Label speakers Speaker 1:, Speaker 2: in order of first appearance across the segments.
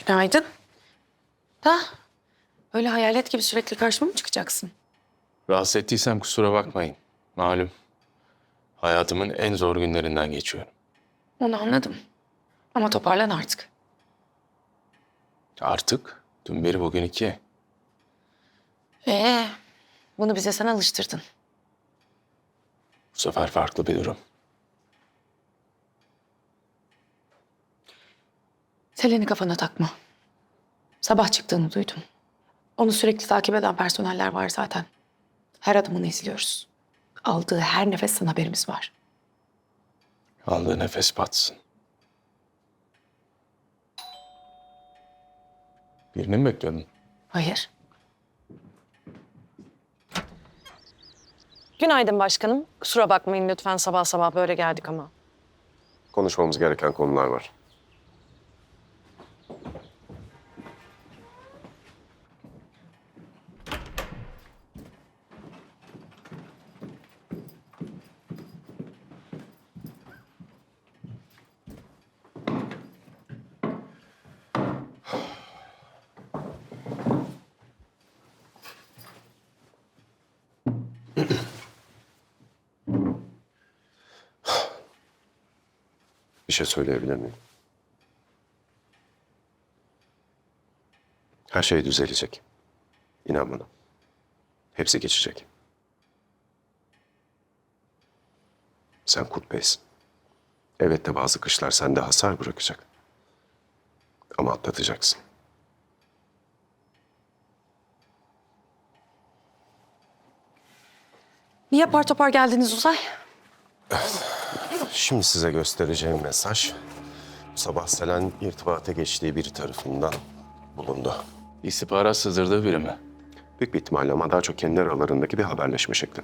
Speaker 1: Günaydın. Da öyle hayalet gibi sürekli karşıma mı çıkacaksın?
Speaker 2: Rahatsız ettiysem kusura bakmayın. Malum hayatımın en zor günlerinden geçiyorum.
Speaker 1: Onu anladım. Ama toparlan artık.
Speaker 2: Artık dün beri bugün iki.
Speaker 1: Ee, bunu bize sen alıştırdın.
Speaker 2: Bu sefer farklı bir durum.
Speaker 1: Selen'i kafana takma. Sabah çıktığını duydum. Onu sürekli takip eden personeller var zaten. Her adımını izliyoruz. Aldığı her nefesten haberimiz var.
Speaker 2: Aldığı nefes batsın. Birini mi bekliyordun?
Speaker 1: Hayır.
Speaker 3: Günaydın başkanım. Kusura bakmayın lütfen sabah sabah böyle geldik ama.
Speaker 4: Konuşmamız gereken konular var. Bir şey söyleyebilir miyim? Her şey düzelecek. İnan bana. Hepsi geçecek. Sen Kurt Bey'sin. Evet de bazı kışlar sende hasar bırakacak. Ama atlatacaksın.
Speaker 1: Niye apar topar geldiniz Uzay?
Speaker 4: Şimdi size göstereceğim mesaj bu sabah Selen irtibata geçtiği biri tarafından bulundu.
Speaker 2: İstihbarat sızdırdığı biri mi?
Speaker 4: Büyük bir ihtimalle ama daha çok kendi aralarındaki bir haberleşme şekli.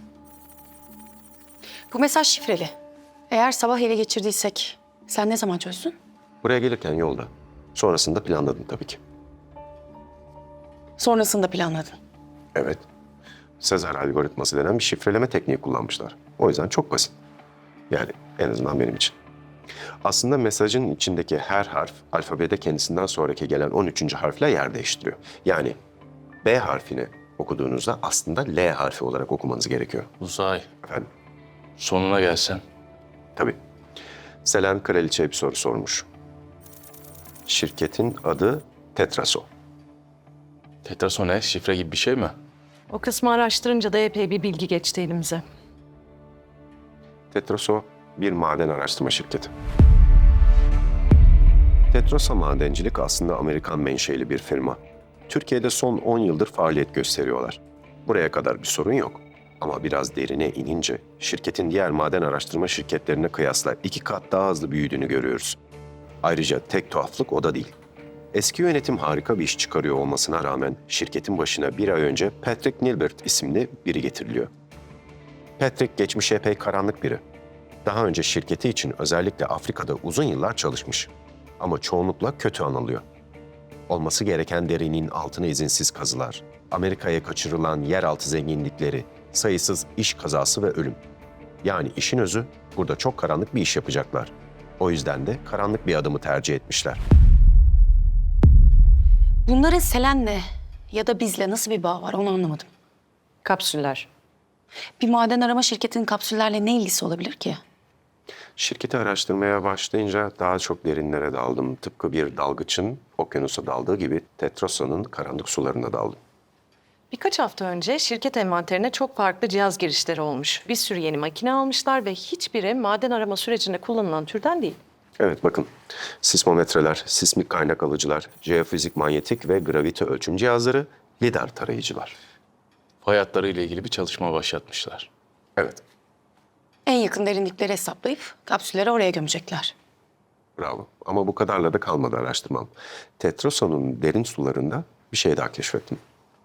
Speaker 1: Bu mesaj şifreli. Eğer sabah ele geçirdiysek sen ne zaman çözdün?
Speaker 4: Buraya gelirken yolda. Sonrasında planladım tabii ki.
Speaker 1: Sonrasında planladın.
Speaker 4: Evet. Sezar algoritması denen bir şifreleme tekniği kullanmışlar. O yüzden çok basit. Yani en azından benim için. Aslında mesajın içindeki her harf alfabede kendisinden sonraki gelen 13. harfle yer değiştiriyor. Yani B harfini okuduğunuzda aslında L harfi olarak okumanız gerekiyor.
Speaker 2: Uzay.
Speaker 4: Efendim?
Speaker 2: Sonuna gelsen.
Speaker 4: Tabii. Selen kraliçeye bir soru sormuş. Şirketin adı Tetraso.
Speaker 2: Tetraso ne? Şifre gibi bir şey mi?
Speaker 3: O kısmı araştırınca da epey bir bilgi geçti elimize.
Speaker 4: Tetraso bir maden araştırma şirketi. Tetraso Madencilik aslında Amerikan menşeli bir firma. Türkiye'de son 10 yıldır faaliyet gösteriyorlar. Buraya kadar bir sorun yok. Ama biraz derine inince şirketin diğer maden araştırma şirketlerine kıyasla 2 kat daha hızlı büyüdüğünü görüyoruz. Ayrıca tek tuhaflık o da değil. Eski yönetim harika bir iş çıkarıyor olmasına rağmen şirketin başına bir ay önce Patrick Nilbert isimli biri getiriliyor. Patrick geçmişe epey karanlık biri. Daha önce şirketi için özellikle Afrika'da uzun yıllar çalışmış. Ama çoğunlukla kötü anılıyor. Olması gereken derinin altına izinsiz kazılar, Amerika'ya kaçırılan yeraltı zenginlikleri, sayısız iş kazası ve ölüm. Yani işin özü burada çok karanlık bir iş yapacaklar. O yüzden de karanlık bir adımı tercih etmişler.
Speaker 1: Bunların Selen'le ya da bizle nasıl bir bağ var onu anlamadım.
Speaker 3: Kapsüller.
Speaker 1: Bir maden arama şirketinin kapsüllerle ne ilgisi olabilir ki?
Speaker 4: Şirketi araştırmaya başlayınca daha çok derinlere daldım. Tıpkı bir dalgıçın okyanusa daldığı gibi Tetraso'nun karanlık sularına daldım.
Speaker 3: Birkaç hafta önce şirket envanterine çok farklı cihaz girişleri olmuş. Bir sürü yeni makine almışlar ve hiçbiri maden arama sürecinde kullanılan türden değil.
Speaker 4: Evet bakın, sismometreler, sismik kaynak alıcılar, jeofizik manyetik ve gravite ölçüm cihazları, lidar tarayıcılar.
Speaker 2: Fay hatlarıyla ilgili bir çalışma başlatmışlar.
Speaker 4: Evet,
Speaker 1: En yakın derinlikleri hesaplayıp kapsülleri oraya gömecekler.
Speaker 4: bravo. Ama bu kadarla da kalmadı araştırmam. Tetraso'nun derin sularında bir şey daha keşfettim.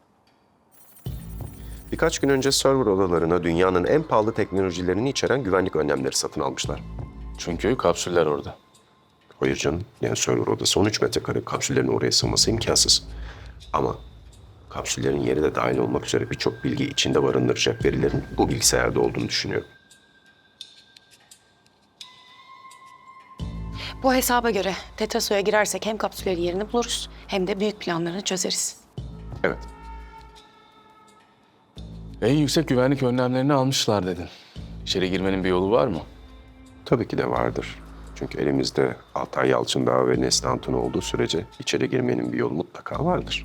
Speaker 4: Birkaç gün önce server odalarına dünyanın en pahalı teknolojilerini içeren güvenlik önlemleri satın almışlar.
Speaker 2: Çünkü kapsüller orada.
Speaker 4: Hayır canım, yani server odası 13 metrekare, kapsüllerin oraya sığması imkansız. Ama kapsüllerin yeri de dahil olmak üzere birçok bilgi içinde barındıracak verilerin bu bilgisayarda olduğunu düşünüyorum.
Speaker 1: Bu hesaba göre Tetraso'ya girersek hem kapsüllerin yerini buluruz hem de büyük planlarını çözeriz.
Speaker 4: Evet.
Speaker 2: En yüksek güvenlik önlemlerini almışlar dedin. İçeri girmenin bir yolu var mı?
Speaker 4: Tabii ki de vardır. Çünkü elimizde Altay Yalçındağ ve Nesli Hatun olduğu sürece içeri girmenin bir yolu mutlaka vardır.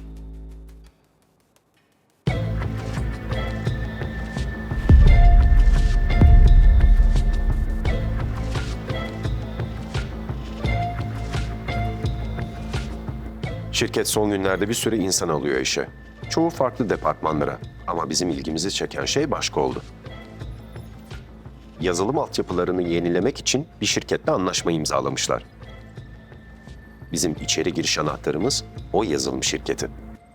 Speaker 4: Şirket son günlerde bir sürü insan alıyor işe. Çoğu farklı departmanlara ama bizim ilgimizi çeken şey başka oldu. Yazılım altyapılarını yenilemek için bir şirketle anlaşma imzalamışlar. Bizim içeri giriş anahtarımız o yazılım şirketi.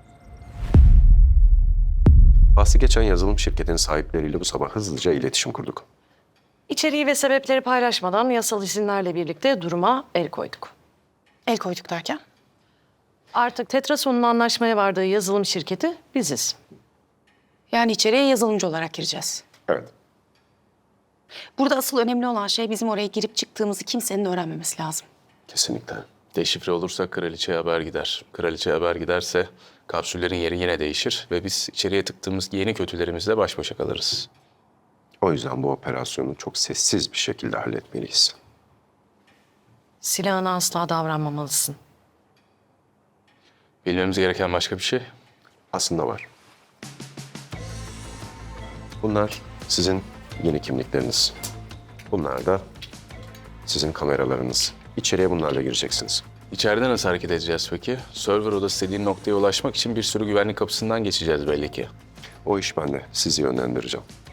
Speaker 4: Bahsi geçen yazılım şirketinin sahipleriyle bu sabah hızlıca iletişim kurduk.
Speaker 3: İçeriği ve sebepleri paylaşmadan yasal izinlerle birlikte duruma el koyduk.
Speaker 1: El koyduk derken?
Speaker 3: Artık Tetrason'un anlaşmaya vardığı yazılım şirketi biziz.
Speaker 1: Yani içeriye yazılımcı olarak gireceğiz.
Speaker 4: Evet.
Speaker 1: Burada asıl önemli olan şey bizim oraya girip çıktığımızı kimsenin öğrenmemesi lazım.
Speaker 4: Kesinlikle.
Speaker 2: Deşifre olursa kraliçeye haber gider. Kraliçeye haber giderse kapsüllerin yeri yine değişir ve biz içeriye tıktığımız yeni kötülerimizle baş başa kalırız.
Speaker 4: O yüzden bu operasyonu çok sessiz bir şekilde halletmeliyiz.
Speaker 3: Silahına asla davranmamalısın.
Speaker 2: Bilmemiz gereken başka bir şey.
Speaker 4: Aslında var. Bunlar sizin yeni kimlikleriniz. Bunlar da sizin kameralarınız. İçeriye bunlarla gireceksiniz.
Speaker 2: İçeride nasıl hareket edeceğiz peki? Server odası dediğin noktaya ulaşmak için bir sürü güvenlik kapısından geçeceğiz belli ki.
Speaker 4: O iş bende. Sizi yönlendireceğim.